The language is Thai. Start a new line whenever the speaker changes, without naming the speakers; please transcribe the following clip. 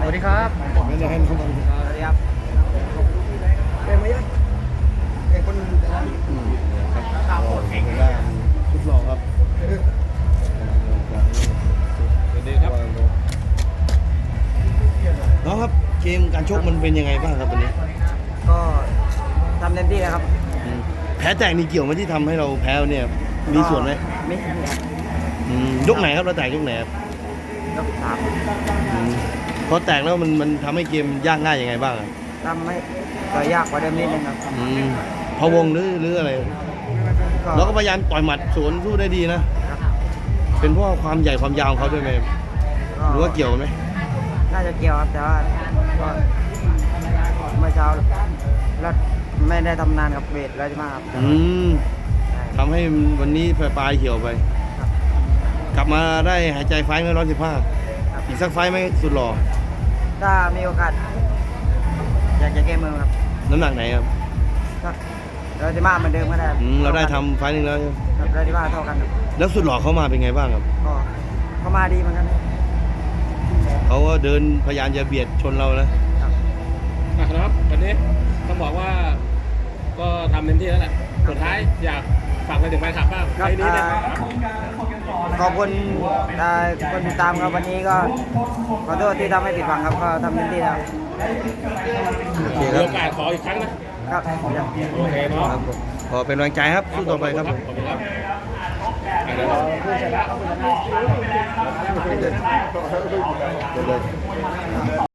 วัสดีครับ
ไม่ได้ให้น้องมัน
สวัสดีครับเป็นไหมยังเป็นคน
ครับได้ชุดหล่อครับ
สวัสดีครับ
น้องครับเกมการชกมันเป็นยังไงบ้างครับวันนี้
ก็ทำเต็มที่แล้วครับ
แพ้แตกนี่เกี่ยวไหมที่ทำให้เราแพ้เนี่ยมีส่วนไหม
ไม่ครับ
ยกไหนครับเราแตกยกไหนครับ
ยกสาม
พอแตกแล้วมันทำให้เกมยากง่ายยังไงบ้างครับ
ทำให้ต่อยยากกว่าเดิมนิดนึงครับ
พะวงหรืออะไรเราก็พยายามต่อยหมัดสวนสู้ได้ดีนะ
ครับ
เป็นเพราะความใหญ่ความยาวของเขาด้วยไหมหรือว่าเกี่ยวไหม
น่าจะเกี่ยวครับแต่ว่าก็เมื่อเช้าแล้วไม่ได้ทำนานกับเวทแล้วใช่ไหมครับ
ทำให้วันนี้ปลายเหี่ยวไป
ครับ
กลับมาได้หายใจไฟไม่115อีกสักไฟไหมสุดหล่อ
ถ้ามีโอกาสอยากจะแก้มือครับ
น้ำหนักไหนครับ
ก็เราจะมาเหมือนเดิมก็ได้
เราได้ทำไฟล์หนึงแล้ว
ครับเราจะมาเท่ากันครับ
แล้วสุดหล่อเขามาเป็นไงบ้างครับ
ก็เข้ามาดีเหมือนกัน
เขาก็เดินพยายามจะเบียดชนเรานะครับ
นะครับวันนี้ต้องบอกว่าก็ทำเต็มที่แล้วแหละสุดท้ายอยากฝากไปถึงแฟนคลับบ้าง
ครับ
ไฟล์นี้เนี่ย
ขอบคุณคนติดตามครับวันนี้ก็ขอโทษที่ทำให้ผิดหวังครับก็ทำเต็มที่แล้ว
โอเค
มี
ครับ
โอกาสขออีกครั้งนะครับ โอเคเนาะ
ครับผมขอเป็นกำลังใจครับสู้ต่อไปครับ
ขอบคุณครับอ่ะเดี๋ยวเรา
เดิน